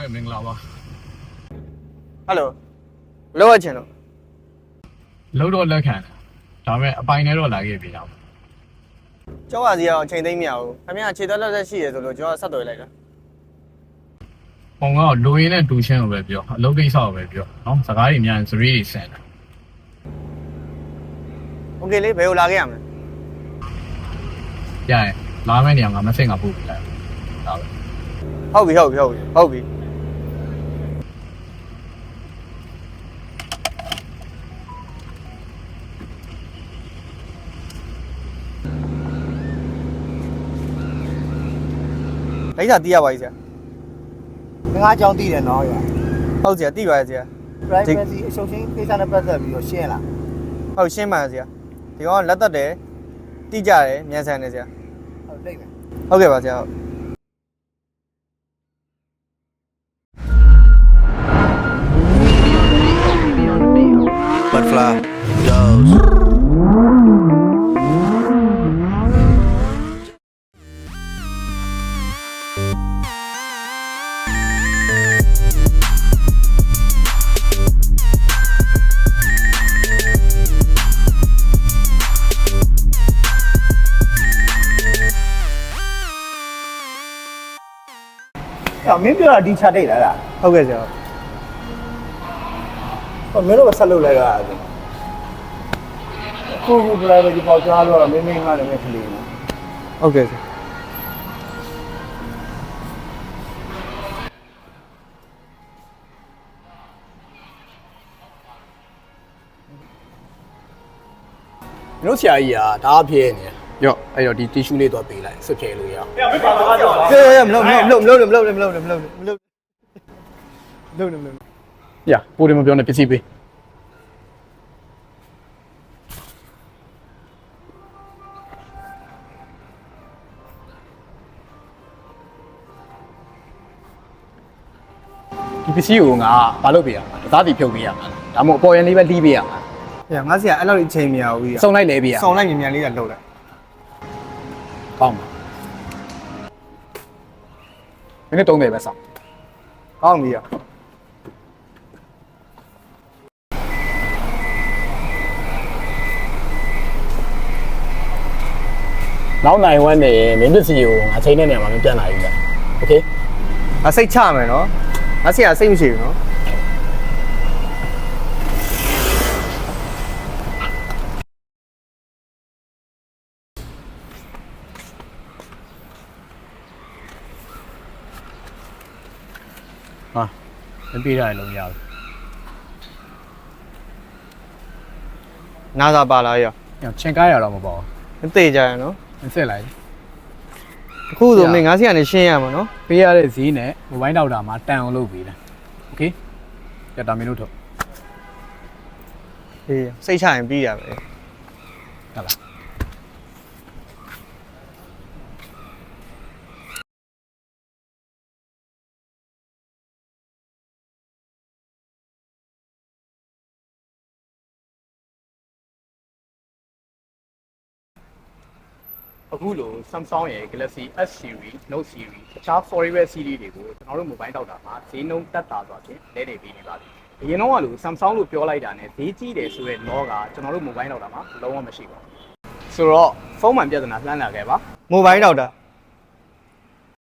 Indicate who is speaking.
Speaker 1: မင်္ဂလာပါ
Speaker 2: ဟယ်လိုလောရချင်လို့
Speaker 1: လုံးတော့လက်ခံဒါပေမဲ့အပိုင်နဲ့တော့လာခဲ့ပြီလား
Speaker 2: ကျောင်းပါစီကတော့အချိန်သိမ်းမရဘူးခင်ဗျာခြေသက်လက်သက်ရှိရဆိုလို့ကျွန်တော်ဆက်သွယ်လိုက်တာ
Speaker 1: ပုံကတော့လူရင်းနဲ့တူချင်းကိုပဲပြောအလုပ်ကိစ္စကိုပဲပြောနော်စကားတွေများရင်စရီးတွေဆန်တယ်
Speaker 2: โอเคလေးဘယ်ကိုလာခဲ့ရမလဲ
Speaker 1: ရရင်လာမယ့်နေရာမှာမဆင့်ကပို့ပြလိုက်ဒါပဲ
Speaker 2: ဟုတ်ပြီလိုက်တာတီးရပါကြီးဆရာ
Speaker 3: ငါးကြောင်းတည်တယ်နော်ရ
Speaker 2: ဟုတ်ဆရာတီးပါရဲ့ဆရာ
Speaker 3: privacy အရှုံးချင်းကိစ္စနဲ့ပတ်သက်ပြီးတော့ရှင်းလား
Speaker 2: ဟုတ်ရှင်းပါဆရာဒီကောင်လက်သက်တယ်တီးကြတယ်မြန်ဆန်တယ်ဆရာ
Speaker 3: ဟုတ်လိမ့်မယ်
Speaker 2: ဟုတ်ကဲ့ပါဆရာဟုတ်
Speaker 4: Butterfly goes.
Speaker 3: ။အော်မင်းပြောတာဒီချတိတ်လားလား
Speaker 2: ဟုတ်ကဲ့ဆရာ
Speaker 3: ။ဟောမင်းတို့ကဆက်လုပ်လိုက်ရတာ။ကို privacy ပေါ့ကြားလို့တော့မင်းငါလည်းမခလေးဘူး
Speaker 2: ဟုတ်ကဲ့ဆရာ
Speaker 5: တို့ဆရာကြီးကဒါအဖြစ်နေရော့အဲ့တော့ဒီ tissue လေးတော့ပေးလိုက်ဆွတ်ဖြဲလို့ရအောင်
Speaker 2: ကဲမလုပ်
Speaker 5: ရပိုတယ်မပြောနဲ့ပစ္စည်းပေးဒီပစ္စည်းကိုငါဘာလုပ်ပေးရမှာသားတီဖြုတ်ပေးရမှာဒါမှမဟုတ်အပေါ်ရန်လေးပဲလှီးပေးရမှာ
Speaker 2: ငါဆရာအဲ့လောက်အချိန်မရဘူးကြီး
Speaker 5: စုံလိုက်လဲပေးရ
Speaker 2: စုံလိုက်မြန်မြန်လေးကလှုပ်လိုက်
Speaker 5: ကောင်းပါမင်းတို့30ပဲစောင့်
Speaker 2: ကောင်းပြီရ
Speaker 5: နောက်နိုင်ဝမ်းနေရင်မင်းပစ္စည်းကိုငါချိန်တဲ့နေရာမှာမပြန်လာဘူးကြာโอเค
Speaker 2: ငါစိတ်ချမယ်နော်ငါဆရာစိတ်မရှိဘူးနော်
Speaker 1: ဟာမပြေးရလုံးရဘူး
Speaker 2: နာသာပါလာရ
Speaker 1: ချင်ကားရတော့မပေါ့
Speaker 2: သိကြရနော်
Speaker 1: အစ်စ်လိုက်
Speaker 2: အခုဆိုမင်းငါဆရာနဲ့ရှင်းရမှာနော်
Speaker 1: ပေးရတဲ့ဈေးနဲ့မိုဘိုင်းဒေါက်တာမှာတန်အောင်လုပ်ပေးတယ်โอเคကြတာမင်းတို့ထုတ်
Speaker 2: အေးစိတ်ချရင်ပြီးတာပဲ
Speaker 1: ဟုတ်လား
Speaker 5: အခုလို Samsung ရဲ့ Galaxy S series, Note series တခြား forever series တွေကိုကျွန်တော်တို့ mobile တောက်တာမှာဈေးနှုန်းတက်တာဆိုတော့လဲနေပေးနေပါပြီ။အရင်တော့ကလို့ Samsung လို့ပြောလိုက်တာနဲ့ဈေးကြီးတယ်ဆိုတဲ့ law ကကျွန်တော်တို့ mobile တောက်တာမှာလုံးဝမရှိပါဘူး။ဆိုတော့ဖုန်းမှန်ပြဿနာလှမ်းလာခဲ့ပါ
Speaker 2: မိုဘိုင်းဒေါက်တာ